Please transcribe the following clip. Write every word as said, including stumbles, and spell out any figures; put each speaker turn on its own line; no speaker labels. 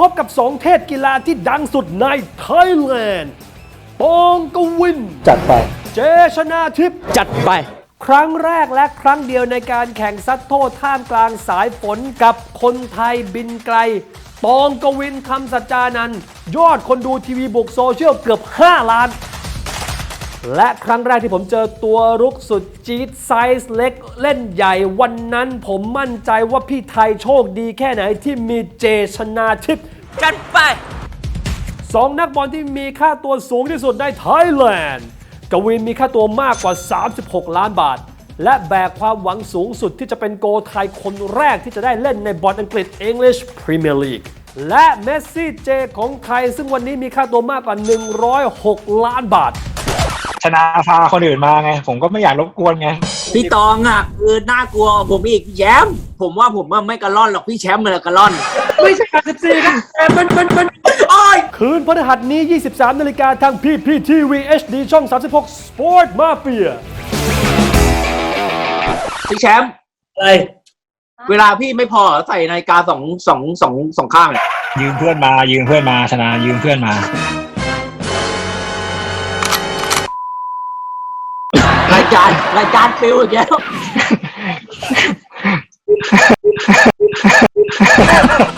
บกับสองเทพกีฬาที่ดังสุดในไทยแลนด์ปองกวิน
จัดไป
เจชนาทิพย์
จัดไป
ครั้งแรกและครั้งเดียวในการแข่งซัดโทษท่ามกลางสายฝนกับคนไทยบินไกลปองกวินคำสัจจานันท์ยอดคนดูทีวีบุกโซเชียลเกือบห้าล้านและครั้งแรกที่ผมเจอตัวรุกสุดจี๊ดไซส์เล็กเล่นใหญ่วันนั้นผมมั่นใจว่าพี่ไทยโชคดีแค่ไหนที่มีเจชนาทิพย์
จัดไป
สองนักบอลที่มีค่าตัวสูงที่สุดในไทยแลนด์กวินมีค่าตัวมากกว่าสามสิบหกล้านบาทและแบกความหวังสูงสุดที่จะเป็นโกลไทยคนแรกที่จะได้เล่นในบอลอังกฤษ English Premier League และเมสซี่เจของไทยซึ่งวันนี้มีค่าตัวมากกว่าหนึ่งร้อยหกล้านบาท
ชนะพาคนอื่นมาไงผมก็ไม่อยากรบกวนไง
พี่ตองอ่ะคือน่ากลัวผมอีกแชมป์ผมว่าผมว่าไม่กระล่อนหรอกพี่แชมป์เลยกระล่อนไม่ใช่การสิบสี่นะมันมันมันโอ้ย
คืนพฤหัสนี้ ยี่สิบสามนาฬิกาทาง พี พี ที วี เอช ดี ช่อง สามสิบหก Sport Mafia
พี่แชมป์อะไรเวลาพี่ไม่พอใส่นาฬิกาสองสองสองสองข้างเนี่ย
ยืมเพื่อนมายืมเพื่อนมาชนะยืมเพื่อนมาร
ายการรายการฟิวอีกแล้ว